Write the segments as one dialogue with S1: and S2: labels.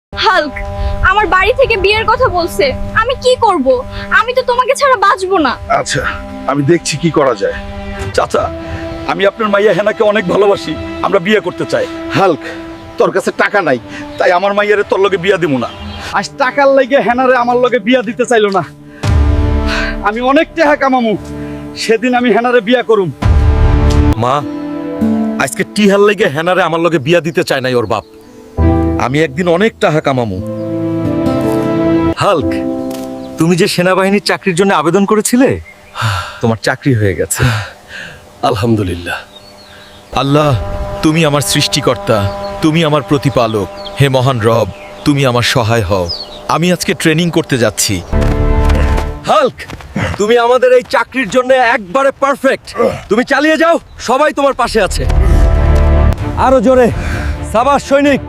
S1: Hulk আমার বাড়ি থেকে বিয়ের কথা বলছে, আমি কি করব? আমি তো তোমাকে ছাড়া বাঁচবো না।
S2: আচ্ছা, আমি দেখছি কি করা যায়। চাচা, আমি আপনার মাইয়া হেনাকে অনেক ভালোবাসি, আমরা বিয়ে করতে চাই। হাল্ক, তোর কাছে টাকা নাই, তাই আমার মাইয়ারে তোর লগে বিয়া দিব না। আজ টাকার লাগে হেনারে আমার লগে বিয়া দিতে চাইলো না। আমি অনেক টাকা কামামু, সেদিন আমি হেনারে বিয়া করুম।
S3: মা, আজকে টিহার লেগে হেনারে আমার লগে বিয়া দিতে চায় নাই ওর বাপ। আমি একদিন অনেক টাকা কামামু। হাল্ক, তুমি যে সেনাবাহিনীর চাকরির জন্য আবেদন করেছিলে, তোমার চাকরি হয়ে গেছে। আলহামদুলিল্লাহ। আল্লাহ, তুমি আমার সৃষ্টিকর্তা, তুমি আমার প্রতিপালক। হে মহান রব, তুমি আমার সহায় হও। আমি আজকে ট্রেনিং করতে যাচ্ছি। হাল্ক, তুমি আমাদের এই চাকরির জন্য একবারে পারফেক্ট। তুমি চালিয়ে যাও, সবাই তোমার পাশে আছে। আরো জোরে, সাবাস সৈনিক।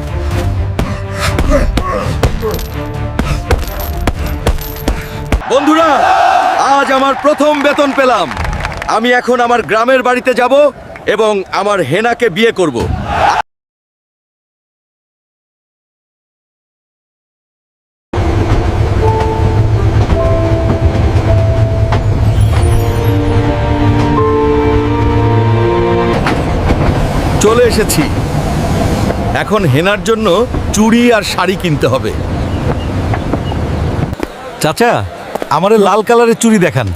S3: বন্ধুরা, আজ আমার প্রথম বেতন পেলাম। আমি এখন আমার গ্রামের বাড়িতে যাব এবং আমার হেনাকে বিয়ে করব। চলে এসেছি। এখন হেনার জন্য চুড়ি আর শাড়ি কিনতে হবে। চাচা, আমারে লাল কালারের চুড়ি দেখান।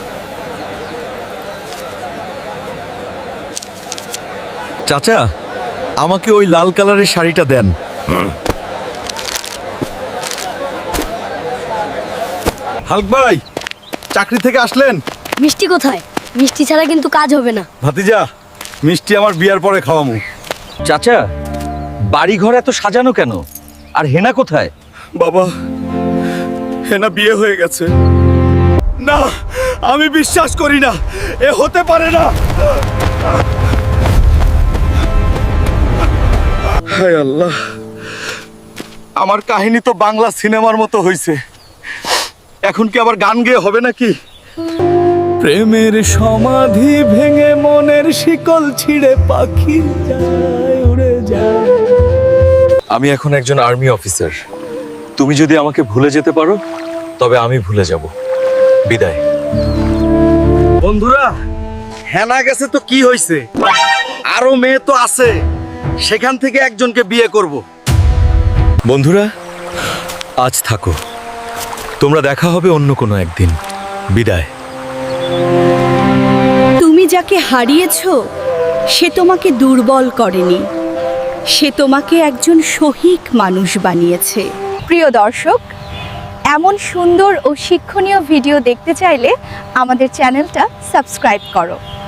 S3: চাচা, আমাকে ওই লাল কালারের শাড়িটা দেন। হাল্ক ভাই, চাকরি থেকে আসলেন?
S4: মিষ্টি কোথায়? মিষ্টি ছাড়া কিন্তু কাজ হবে না।
S2: ভাতিজা, মিষ্টি আমার বিয়ার পরে খাওয়ামু।
S3: চাচা, বাড়ি ঘর এত সাজানো কেন? আর হেনা কোথায়?
S2: বাবা, হেনা বিয়ে হয়ে গেছে। না, আমি বিশ্বাস করি না, এ হতে পারে না। হায় আল্লাহ, আমার কাহিনী তো বাংলা সিনেমার মতো হয়েছে। এখন কি আবার গান গেয়ে হবে নাকি?
S5: প্রেমের সমাধি ভেঙে মনের শিকল ছিঁড়ে পাখি যায় উড়ে যায়।
S3: আমি এখন একজন আর্মি অফিসার। তুমি যদি আমাকে ভুলে যেতে পারো, তবে আমি ভুলে যাব। বিদায়।
S2: বন্ধুরা, হেনা গেছে তো কি হয়েছে, আরো মেয়ে তো আছে, সেখান থেকে একজনকে বিয়ে করব।
S3: বন্ধুরা, আজ থাকো। তোমরা দেখা হবে অন্য কোনো একদিন। বিদায়।
S6: তুমি যাকে হারিয়েছো, সে তোমাকে দুর্বল করেনি, সে তোমাকে একজন সহিক মানুষ বানিয়েছে।
S1: প্রিয় দর্শক, এমন সুন্দর ও শিক্ষণীয় ভিডিও দেখতে চাইলে আমাদের চ্যানেলটা সাবস্ক্রাইব করো।